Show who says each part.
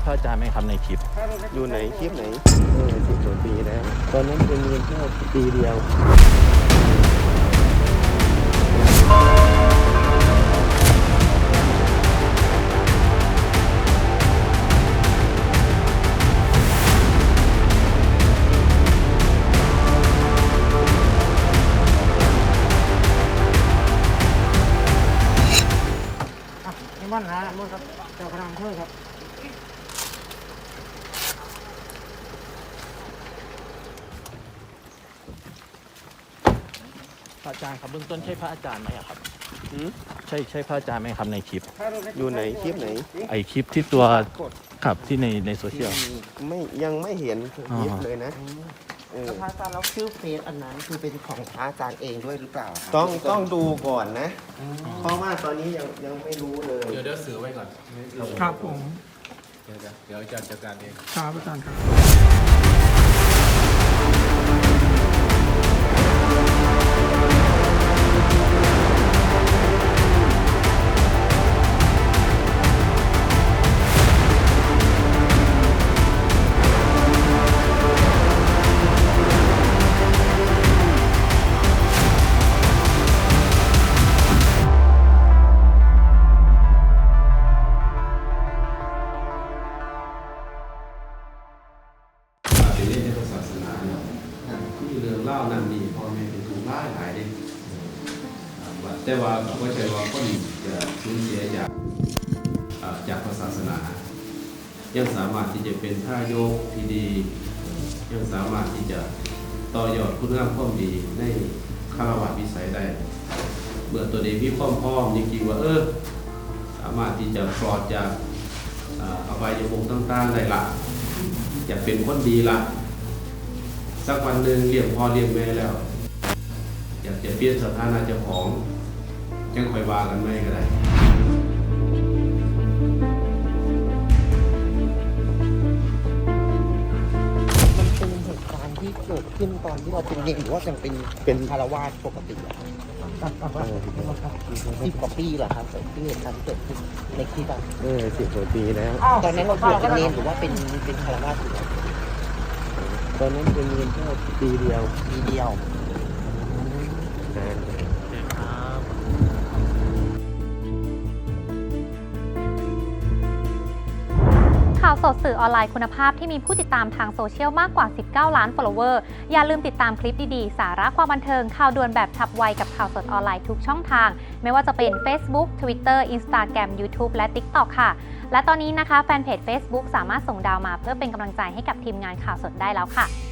Speaker 1: ระอาจารย์ไหมครับในคลิป
Speaker 2: อยู่ไหนคลิปไหน10 กว่าปีแล้วตอนนั้นเป็นเรียนแค่ปีเดียว
Speaker 3: นี่มันนะมันครับเจ้าพนักงานเพื่อครับ
Speaker 1: พระอาจารย์ครับเบื้องต้นใช่พระอาจารย์ไหมครับใช่พระอาจารย์ไหมครับในคลิป
Speaker 2: อยู่ไหนคลิปไหน
Speaker 1: ไอคลิปที่ตัวขับที่ในโซเชียล
Speaker 2: ยังไม่เห็นคลิปเลยนะ
Speaker 3: พระอาจารย์แล้วชื่อเฟซอันนั้นคือเป็นของพระอาจารย์เองด้วยหรือเปล่า
Speaker 2: ต้องดูก่อนนะเพราะว่าตอนนี้ยังไม่รู้เลย
Speaker 4: เดี๋ยวซื้อไว้ก่อน
Speaker 5: ครับผม
Speaker 4: เดี๋ยวอาจารย์จัดการเอง
Speaker 5: ครับอาจารย์ครับ
Speaker 4: เรื่องเล่านั่นนี่พ่อแม่เป็นถูกล่าหายเด็กแต่ว่าก็ใช่ว่าคนจะสูญเสียจากศาสนายังสามารถที่จะเป็นท่ายกที่ดียังสามารถที่จะต่อยอดคุณงามความดีในคารวะวิสัยได้เมื่อตัวเองมีความพร้อมจริงๆว่าสามารถที่จะปลอดจากอบายภูมิต่างๆได้ละอยากเป็นคนดีละสักวันหนึ่งเลี้ยงพ่อเลี้ยงแม่แล้วอยากจะเปลี่ยนสถานะเจ้าของยังคอยว่ากันไม่ก็ได้
Speaker 3: มันเป็นเหตุการณ์ที่เกิดขึ้นตอนที่เราเป็นเด็กหรือว่ายังเป็นคารวาสปกติ10 กว่าปีเหรอครับที่เหตุการณ์ที่เกิดขึ้นในคลิปอ่ะ
Speaker 2: 10 กว่าปีแล้ว
Speaker 3: ตอนนั้นเราบวชเป็นเนรหรือว่าเป็นคารวาสอยู่
Speaker 2: ตอนนั้นเป็นเรียนแค่ปีเดียว
Speaker 6: ข่าวสดสื่อออนไลน์คุณภาพที่มีผู้ติดตามทางโซเชียลมากกว่า 19 ล้าน follower อย่าลืมติดตามคลิปดีๆ สาระความบันเทิง ข่าวด่วนแบบฉับไวกับข่าวสดออนไลน์ทุกช่องทาง ไม่ว่าจะเป็น Facebook Twitter Instagram YouTube และ TikTok ค่ะ และตอนนี้นะคะแฟนเพจ Facebook สามารถส่งดาวมาเพื่อเป็นกำลังใจให้กับทีมงานข่าวสดได้แล้วค่ะ